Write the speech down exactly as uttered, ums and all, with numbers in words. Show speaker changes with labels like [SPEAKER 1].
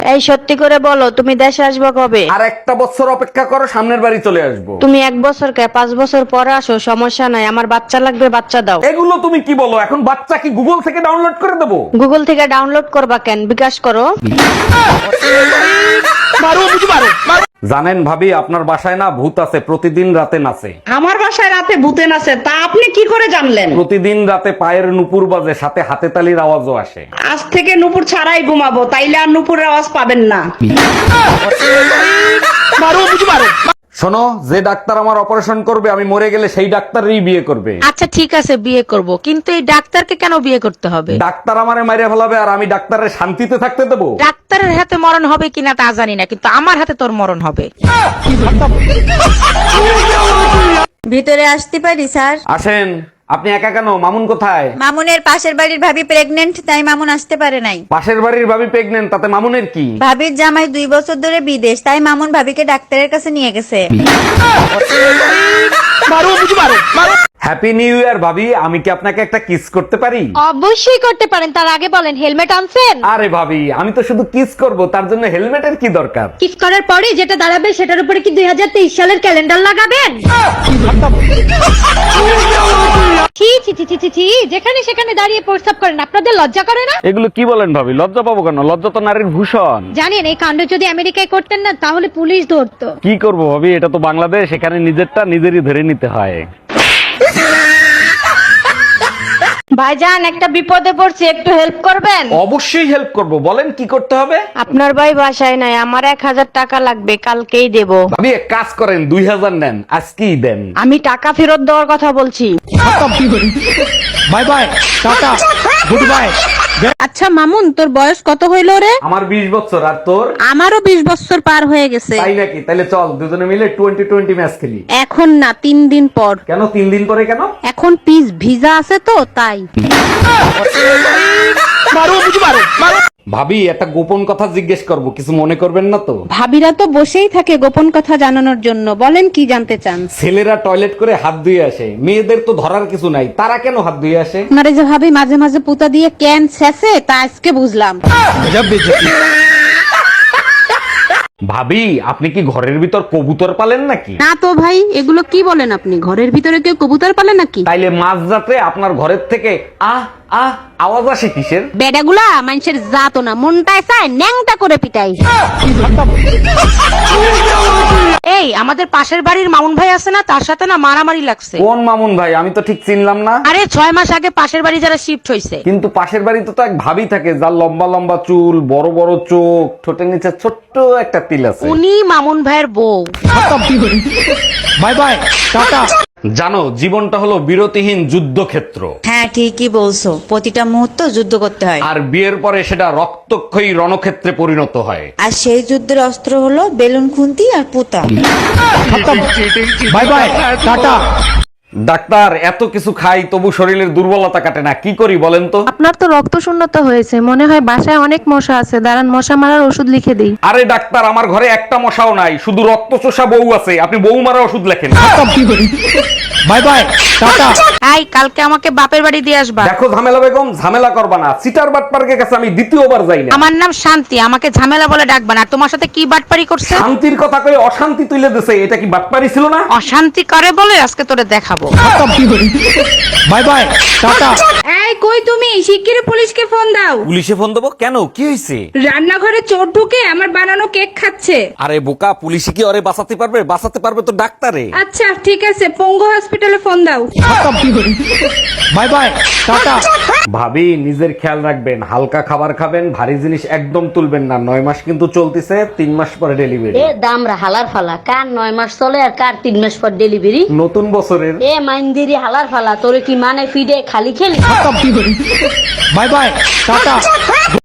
[SPEAKER 1] এই সত্যি করে বলো, তুমি দেশে আসবে কবে?
[SPEAKER 2] আর একটা বছর অপেক্ষা করো, সামনের বাড়ি চলে আসবো।
[SPEAKER 1] তুমি এক বছর কে পাঁচ বছর পরে আসো, সমস্যা নাই। আমার বাচ্চা লাগবে, বাচ্চা দাও।
[SPEAKER 2] এগুলো তুমি কি বলো? এখন বাচ্চা কি গুগল থেকে ডাউনলোড করে দেবো?
[SPEAKER 1] গুগল থেকে ডাউনলোড করবা কেন? বিকাশ করো।
[SPEAKER 2] জানেন ভাবি, আপনার বাসায় না ভূত আছে, প্রতিদিন রাতে নাচে।
[SPEAKER 3] আমার বাসায় রাতে ভূতে নাচে, তা আপনি কি করে জানলেন?
[SPEAKER 2] প্রতিদিন রাতে পায়ের নুপুর বাজে, সাথে হাতে তালির আওয়াজও আসে।
[SPEAKER 3] আজ থেকে নুপুর ছাড়াই ঘুমাবো, তাইলে আর নুপুরের আওয়াজ পাবেন না।
[SPEAKER 2] শোনো, যে ডাক্তার আমার অপারেশন করবে, আমি মরে গেলে সেই ডাক্তারই বিয়ে করবে।
[SPEAKER 1] আচ্ছা ঠিক আছে, বিয়ে করব, কিন্তু এই ডাক্তারকে কেন বিয়ে করতে হবে?
[SPEAKER 2] ডাক্তার আমারে মাইরে ফেলাবে আর আমি ডাক্তারের শান্তিতে থাকতে দেবো?
[SPEAKER 1] ডাক্তারের হাতে মরণ হবে কিনা তা জানি না, কিন্তু আমার হাতে তোর মরণ হবে।
[SPEAKER 4] ভিতরে আসতে পারি স্যার?
[SPEAKER 2] আসেন। আপনি একা কেন? মামুন কোথায়?
[SPEAKER 4] মামুনের পাশের বাড়ির ভাবি প্রেগনেন্ট, তাই মামুন আসতে পারে নাই।
[SPEAKER 2] পাশের বাড়ির ভাবি প্রেগনেন্ট, তাতে মামুনের কি?
[SPEAKER 4] ভাবির জামাই দুই বছর ধরে বিদেশ, তাই মামুন ভাবিকে ডাক্তারের কাছে নিয়ে গেছে।
[SPEAKER 2] হ্যাপি নিউ ইয়ার ভাবি, আমি কি আপনাকে একটা কিস করতে পারি?
[SPEAKER 1] অবশ্যই করতে পারেন, তার আগে বলেন হেলমেট আনছেন?
[SPEAKER 2] আরে ভাবি, আমি তো শুধু কিস করব, তার জন্য হেলমেটের কি দরকার?
[SPEAKER 1] কিস করার পরে যেটা দাঁড়াবে সেটার উপরে কি দুই হাজার তেইশ সালের ক্যালেন্ডার লাগাবেন? ছি ছি ছি ছি ছি ছি, যেখানে সেখানে দাঁড়িয়ে প্রস্তাব করেন, আপনাদের লজ্জা করে না?
[SPEAKER 2] এগুলো কি বলেন ভাবি? লজ্জা পাবো কেন? লজ্জা তো নারীর ভূষণ।
[SPEAKER 1] জানেন এই কাণ্ড যদি আমেরিকায় করতেন না, তাহলে পুলিশ ধরতো।
[SPEAKER 2] কি করব ভাবি, এটা তো বাংলাদেশ, এখানে নিজেরটা নিজেরই ধরে নিতে হয়।
[SPEAKER 1] ভাইজান, একটা বিপদে পড়ছি, একটু হেল্প করবেন?
[SPEAKER 2] অবশ্যই হেল্প করব, বলেন কি করতে হবে?
[SPEAKER 1] আপনার ভাই বাসায় নাই, আমার এক হাজার টাকা লাগবে, কালকেই দেব।
[SPEAKER 2] ভাবি এক কাজ করেন, দুই হাজার নেন, আজকেই দেন।
[SPEAKER 1] আমি টাকা ফেরত দেওয়ার কথা বলছি।
[SPEAKER 2] Bye bye, tata, good bye.
[SPEAKER 5] আচ্ছা মামুন, তোর বয়স কত হইলো রে?
[SPEAKER 2] আমার বিশ বছর, আর তোর?
[SPEAKER 5] আমারও বিশ বছর পার হয়ে গেছে।
[SPEAKER 2] তাই নাকি? তাহলে চল দুজনে মিলে টোয়েন্টি টোয়েন্টি ম্যাচ খেলি।
[SPEAKER 5] এখন না, তিন দিন পর।
[SPEAKER 2] কেন তিন দিন পরে কেন?
[SPEAKER 5] এখন পিস ভিজা আছে তো, তাই।
[SPEAKER 2] ভাবি একটা গোপন কথা জিজ্ঞেস করব, কিছু মনে করবেন না তো?
[SPEAKER 5] ভাবিরা তো বসেই থাকে গোপন কথা জানানোর জন্য, বলেন কি জানতে চান?
[SPEAKER 2] ছেলেরা টয়লেট করে হাত ধুয়ে আসে, মেয়েদের তো ধরার কিছু নাই, তারা কেন হাত ধুয়ে আসে?
[SPEAKER 5] আপনারা যে ভাবি মাঝে মাঝে পুতা দিয়ে ক্যান ছেঁচে, তা আজকে বুঝলাম।
[SPEAKER 2] ভাবি আপনি কি ঘরের ভিতর কবুতর পালেন নাকি?
[SPEAKER 5] না তো ভাই, এগুলো কি বলেন আপনি? ঘরের ভিতরে কেউ কবুতর পালে নাকি?
[SPEAKER 2] তাইলে মাঝ রাতে আপনার ঘরের থেকে আহ আহ আওয়াজ আসে কিসের?
[SPEAKER 5] বেডাগুলা মানুষের জাতো না, মনটায় চায় ন্যাংটা করে পিটাই।
[SPEAKER 1] এই আমাদের পাশের বাড়ির মামুন ভাই আছে না, তার সাথে না মারামারি লাগছে।
[SPEAKER 2] কোন মামুন ভাই? আমি তো ঠিক চিনলাম না।
[SPEAKER 1] আরে ছয় মাস আগে পাশের বাড়ি যারা শিফট হয়েছে।
[SPEAKER 2] কিন্তু পাশের বাড়িতে তো এক ভাবি থাকে, যার লম্বা লম্বা চুল, বড় বড় চোখ, ঠোঁটের নিচে ছোট্ট একটা তিল আছে।
[SPEAKER 1] উনি মামুন ভাইয়ের বউ।
[SPEAKER 2] Bye bye, tata. জানো, জীবনটা হলো বিরতিহীন যুদ্ধক্ষেত্র।
[SPEAKER 4] হ্যাঁ ঠিকই বলছো, প্রতিটা মুহূর্ত যুদ্ধ করতে হয়,
[SPEAKER 2] আর বিয়ের পরে সেটা রক্তক্ষয়ী রণক্ষেত্রে পরিণত হয়।
[SPEAKER 4] আর সেই যুদ্ধের অস্ত্র হলো বেলুন খুন্তি আর পুতা।
[SPEAKER 2] Bye bye, tata. ডাক্তার, এত কিছু খাই তবু শরীরের দুর্বলতা কাটে না, কি করি বলেন তো?
[SPEAKER 6] আপনার তো রক্ত শূন্যতা হয়েছে, মনে হয় বাসায় অনেক মশা আছে, দাঁড়ান মশা মারার ওষুধ লিখে দিই।
[SPEAKER 2] আরে ডাক্তার, আমার ঘরে একটা মশাও নাই, শুধু রক্ত চোষা বউ আছে, আপনি বউ মারা ওষুধ লেখেন। Bye bye, tata.
[SPEAKER 1] এই কালকে আমাকে বাপের বাড়ি দিয়ে আসবা।
[SPEAKER 2] দেখো ঝামেলা বেগম, ঝামেলা করবা না, সিটার বাটপার্কের কাছে আমি দ্বিতীয়বার যাই না।
[SPEAKER 1] আমার নাম শান্তি, আমাকে ঝামেলা বলে ডাকবা না। আর তোমার সাথে কি বাটপারি করছে?
[SPEAKER 2] শান্তির কথা কয়ে অশান্তি তুলে দিছে, এটা কি বাটপারি ছিল না?
[SPEAKER 1] অশান্তি করে বলে আজকে তোরে দেখাবো।
[SPEAKER 2] Bye bye, tata.
[SPEAKER 3] এই কই তুমি? শিগগিরই পুলিশকে ফোন দাও।
[SPEAKER 2] পুলিশে ফোন দেবো কেন? কি হয়েছে?
[SPEAKER 3] রান্নাঘরে চোর ঢুকে আমার বানানো কেক খাচ্ছে।
[SPEAKER 2] আরে বোকা, পুলিশে কি ওরে বাঁচাতে পারবে? বাঁচাতে পারবে তো ডাক্তারে।
[SPEAKER 3] আচ্ছা ঠিক আছে, পঙ্গু হসপিটালে ফোন দাও।
[SPEAKER 2] Bye bye, tata. ভাবি নিজের খেয়াল রাখবেন, হালকা খাবার খাবেন, ভারী জিনিস একদম তুলবেন না। নয় মাস কিন্তু চলতেছে, তিন মাস পরে ডেলিভারি।
[SPEAKER 7] এ দামরা হালার ফালা, কার নয় মাস চলে আর কার তিন মাস পর ডেলিভারি?
[SPEAKER 2] নতুন বছরের।
[SPEAKER 7] এ মাইন্দিরি হালার ফালা, তোরে কি মানে ফিডে খালি খেলি?
[SPEAKER 2] Bye bye, tata.